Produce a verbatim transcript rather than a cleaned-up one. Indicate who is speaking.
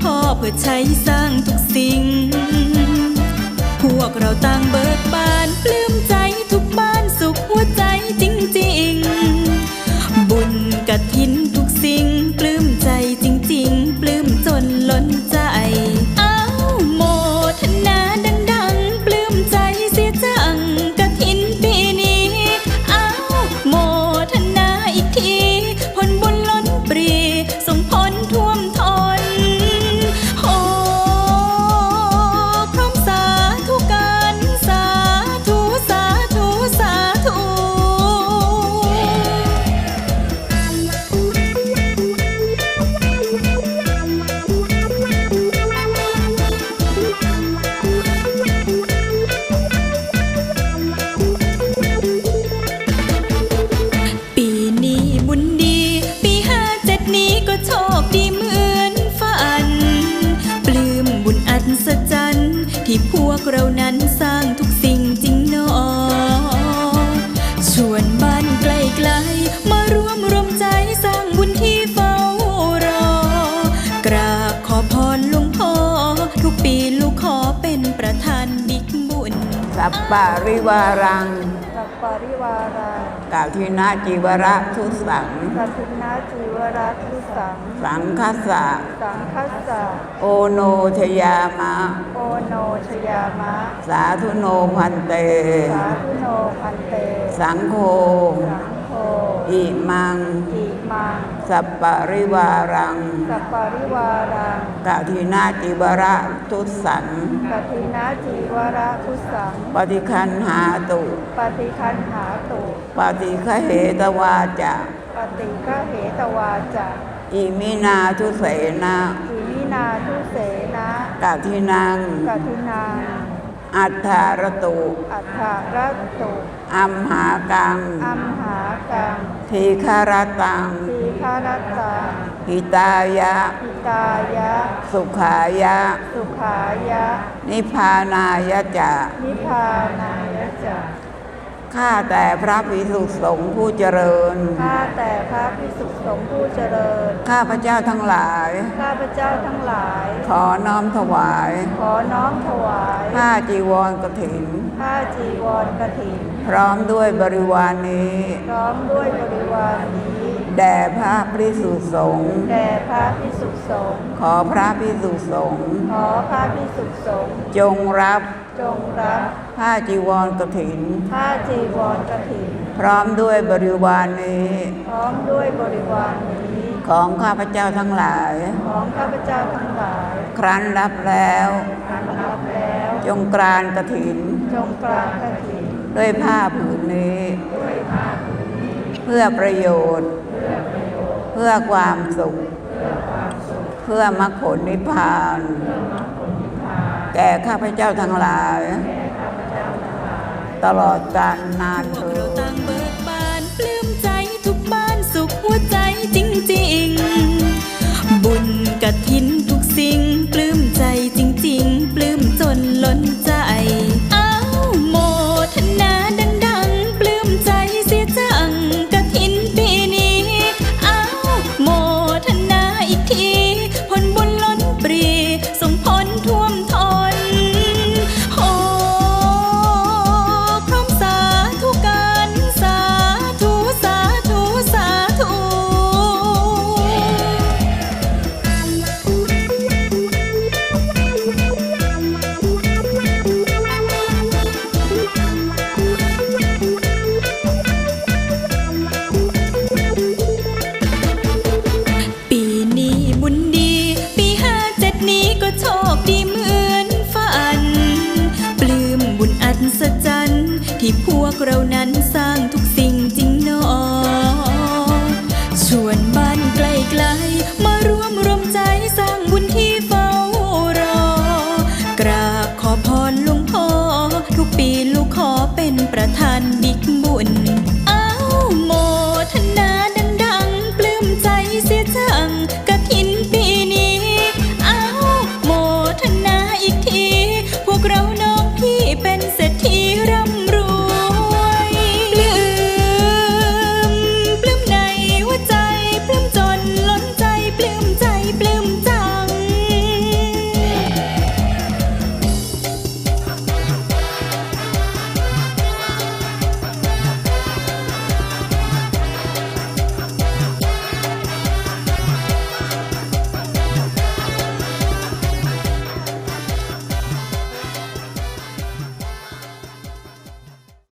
Speaker 1: พ่อเพื่อใช้สร้างทุกสิ่งพวกเราต่างเบิกบานปลื้มใจทุกบ้านสุขหัวใจจริงๆบุญกฐินทุกสิ่งปลื้มใจจริงๆปลื้มจนล้นใจอ้าวโมทนาดังๆปลื้มใจเสียจังกฐินปีนี้อ้าวโมทนาอีกทีผลบุญล้นปรีส่งผลท่วมท้นโอ้พร้อมสาธุกันสาธุสาธุสาธุปีนี้บุญดีปีห้าเจ็ดนี้ก็โชคดีเหมือนฝันปลื้มบุญอัศจรรย์ที่พวกเรานั้นสร้างทุกสิ่งจริงหนอชวนบ้านไกลๆมาร่วมรวมใจสร้างบุญที่เฝ้ารอกราบขอพรหลวงพ่อทุกปีลูกขอเป็นประธานบิ๊กบุญ
Speaker 2: สัปปะริวารัง
Speaker 3: สัปปะริวารา
Speaker 2: กาทินาจีวระทุสัง
Speaker 3: สัทธินาจีวราทุสัง
Speaker 2: สังคัสสะ
Speaker 3: สังคัสสะ
Speaker 2: โอโนชยามะ
Speaker 3: โอโนชยามะ
Speaker 2: สาธุโนพันเต
Speaker 3: สาธุโนพันเต
Speaker 2: สังโฆ
Speaker 3: สังโฆ
Speaker 2: อิมัง
Speaker 3: อิมัง
Speaker 2: สัปปะริวารัง
Speaker 3: สัปปะริวารัง
Speaker 2: กาทินาจีวระทุสัง
Speaker 3: สัทธินาจีวราทุสัง
Speaker 2: ปฏิคันหาตุ
Speaker 3: ปฏิคันหาตุ
Speaker 2: ปฏิคเหตวาจะ
Speaker 3: ปฏิฆะเหตวาจะ
Speaker 2: อิมินาทุเสนะ
Speaker 3: อิมินาทุเสนะ
Speaker 2: กาทินัง
Speaker 3: กัทินัง
Speaker 2: อัฏฐารตุ
Speaker 3: อัฏฐรัตตุ
Speaker 2: อัมหากัง
Speaker 3: อัมหากัง
Speaker 2: ทีฆารตัง
Speaker 3: ทีฆารตัง
Speaker 2: หิตายะ
Speaker 3: อิตายะ
Speaker 2: สุขายะ
Speaker 3: สุขายะ
Speaker 2: นิพพานายะจะ
Speaker 3: นิพพานายะจะ
Speaker 2: ข้าแต่พระภิกษุสงฆ์ผู้เจริญ
Speaker 3: ข้าแต่พระภิกษุสงฆ์ผู้เจริญ
Speaker 2: ข้าพระเจ้าทั้งหลาย
Speaker 3: ข้าพเจ้าทั้งหลาย
Speaker 2: ขอน้อมถวาย
Speaker 3: ขอน้อมถวาย
Speaker 2: ผ้าจีวรกฐิน
Speaker 3: ผ้าจีวรกฐิน
Speaker 2: พร้อมด้วยบริวารนี้
Speaker 3: พร้อมด้วยบริวารนี้
Speaker 2: แด่พระภิกษุสงฆ์
Speaker 3: แด่พระภิกษุสงฆ์
Speaker 2: ขอพระภิกษุสงฆ์
Speaker 3: ขอพระภิกษุสงฆ์
Speaker 2: จงรับ
Speaker 3: จงรับ
Speaker 2: ผ้าจีวรกฐิน
Speaker 3: ผ้าจีวรกฐิน
Speaker 2: พร้อมด้วยบริวารนี้
Speaker 3: พร้อมด้วยบริวารนี้
Speaker 2: ของข้าพเจ้าทั้งหลาย
Speaker 3: ของข้าพเจ้าทั้งหลาย
Speaker 2: ครั้นรับแล้ว
Speaker 3: รับแล้ว
Speaker 2: จงกรานกฐิน
Speaker 3: จงกรานกฐิน
Speaker 2: ด้วยผ้าผืนนี้ เพื่อประโยชน์ เพื่อความสุข เพื่อมรรคผลนิพพาน แก่ข้าพเจ้าทั้งหลาย ตลอดกาลนาน
Speaker 1: พว
Speaker 2: เถิ
Speaker 1: กเรา
Speaker 2: ด
Speaker 1: ต่างเบิกบานปลื้มใจทุกบ้านสุขหัวใจจริงๆบุญกฐินทุกสิ่งปลื้มใจจริงๆปลื้มจนล้นใจอ้าวโมทนาดังๆปลื้มใจเสียจังกฐินปีนี้อ้าวโมทนาอีกทีผลบุญล้นปรีส่งผลท่วมท้นโอ้พร้อมสาธุกันสาธุสาธุสาธุ ปีนี้บุญดีปีห้าเจ็ดนี้ก็โชคดีเหมือนฝันปลื้มบุญอัศจรรย์ที่พวกเรานั้น